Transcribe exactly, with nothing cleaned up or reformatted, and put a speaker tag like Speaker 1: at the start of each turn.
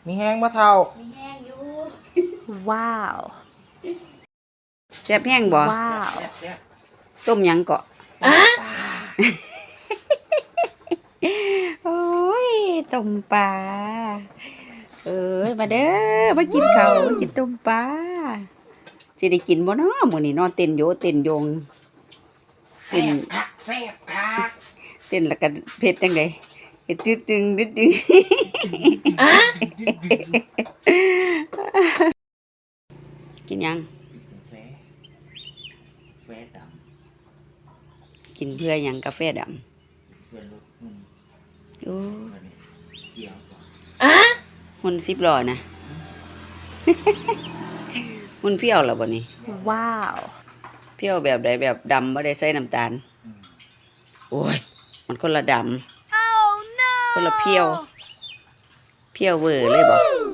Speaker 1: มีแห้งบ่เท่า
Speaker 2: มีแห้งอยู่
Speaker 3: ว้าว
Speaker 4: แซ่บแห้งบ่
Speaker 3: ว้าว
Speaker 4: ต้มหยังเกาะ
Speaker 2: อ่ะ
Speaker 4: โอ้ยต้มปลาเอ้ยมาเด้อมากินข้าวมากินต้มปลาสิได้กินบ่เนาะมื้อนี้นอนเต้นโยเต้นโยงเต้นคักแซ่บคักเต้นแล้วก็เผ็ดจังได๋เฮ็ดตึดึงดึดึง
Speaker 2: อ่ะ
Speaker 4: กินยัง
Speaker 1: แฟแฟดำ
Speaker 4: กินเพื่อหยังกาแฟดำ
Speaker 1: เพื่อนรถหุ่น
Speaker 4: โอ้
Speaker 1: เกี่ยวก่อน
Speaker 2: อ่ะ
Speaker 4: หุ่นสิบล้อนะ หุ่นเพี้ยวเหรอบ่นี่
Speaker 3: ว้าว
Speaker 4: เพี้ยวแบบใดแบบดำบ่ได้ใส่น้ำตาลโอ้ยมันคนละดำคนละเพี้ยวเพี้ยวเวอร์เลยบ่